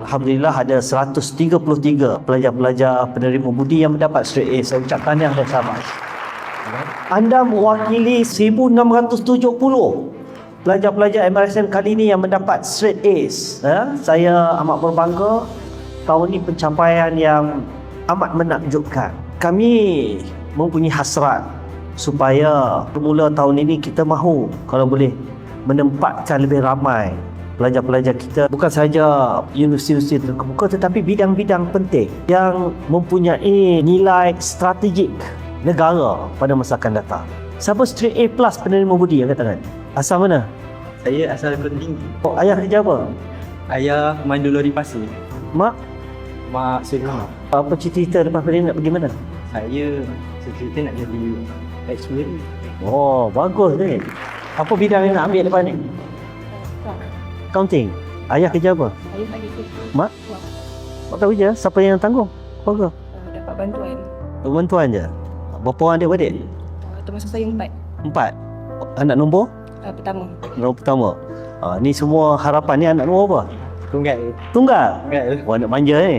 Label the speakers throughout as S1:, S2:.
S1: Alhamdulillah ada 133 pelajar-pelajar penerima budi yang mendapat straight A. Saya ucap tahniah dan selamat. Anda mewakili 1670 pelajar-pelajar MRSM kali ini yang mendapat straight A's. Saya amat berbangga. Tahun ini pencapaian yang amat menakjubkan. Kami mempunyai hasrat supaya bermula tahun ini kita mahu kalau boleh menempatkan lebih ramai pelajar-pelajar kita, bukan saja universiti-universiti terkemuka tetapi bidang-bidang penting yang mempunyai nilai strategik negara pada masa akan datang. Siapa straight A plus penerima budi angkat tangan? Asal mana?
S2: Saya asal Kota Tinggi.
S1: Oh, ayah kerja apa?
S2: Ayah mandu lori pasir.
S1: Mak?
S2: Mak Serena.
S1: Apa cita-cita lepas ni nak pergi mana?
S2: Saya cita-cita nak jadi ex-student.
S1: Oh, bagus ni. Apa bidang yang nak ambil lepas ni? Accounting. Ayah kerja apa?
S3: Ayah bagi kerja.
S1: Mak? Mak tahu je. Siapa yang tanggung? Apa?
S3: Dapat bantuan.
S1: Bantuan je. Berapa orang adik-beradik?
S3: Termasuk saya 4.
S1: 4. Anak nombor?
S3: Pertama.
S1: Nombor pertama. Ni semua harapan ni anak nombor apa?
S2: Tunggal.
S1: Tunggal?
S2: Tunggal.
S1: Wah, nak manja ni.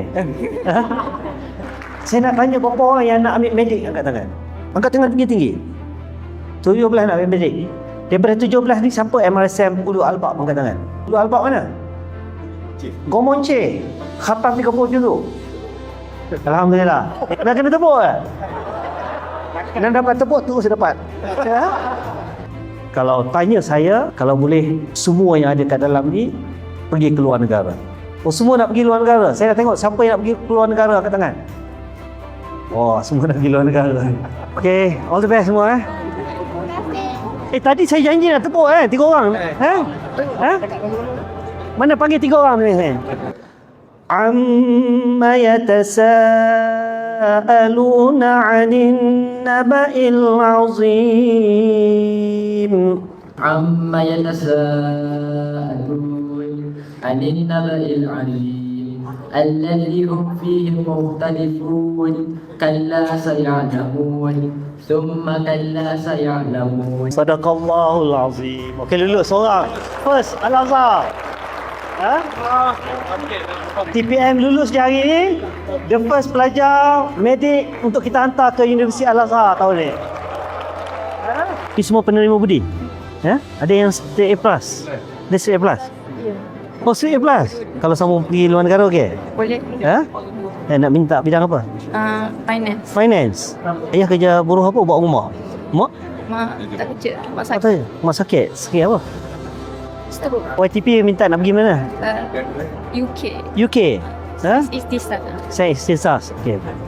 S1: Saya nak tanya berapa orang yang nak ambil medik angkat tangan? Angkat tangan tinggi-tinggi. 17 nak ambil medik. Daripada 17 ni siapa MRSM Ulu Albab angkat tangan? Ulu Albab mana? Gomonce. Khatam 30 dulu. Alhamdulillah. Dah kena tepuk ke? Dan dapat tepuk terus dapat. Kalau tanya saya, kalau boleh semua yang ada kat dalam ni pergi ke luar negara. Oh, semua nak pergi luar negara. Saya nak tengok siapa yang nak pergi ke luar negara angkat tangan. Oh, semua nak pergi luar negara. Okay, all the best semua tadi saya janji nak tepuk 3 orang. Mana panggil 3 orang ni? Amma yatasaaluna 'anil naba'il 'azim.
S4: عما يتساءلون عن النبأ العظيم الذي هم فيه مختلفون كلا سيعلمون ثم كلا سيعلمون.
S1: Sadaqallahul azim. Okey, lulus seorang. First, Al-Azhar. TPM lulus je hari ni. The first pelajar medik untuk kita hantar ke Universiti Al-Azhar tahun ni. Ini semua penerima budi. Ada yang straight A plus. Dia straight A plus. Oh, straight A plus. Kalau sama pergi luar negara okey?
S3: Boleh.
S1: Nak minta bidang apa?
S3: Finance.
S1: Finance. Ayah kerja buruh apa buat rumah? Mak?
S3: Mak tak kerja. Mak
S1: Tak
S3: sakit.
S1: tahu. Mak sakit. Sakit apa?
S3: Stroke.
S1: YTP minta nak pergi mana?
S3: UK.
S1: UK.
S3: Istisna.
S1: Saya istisas. Okey.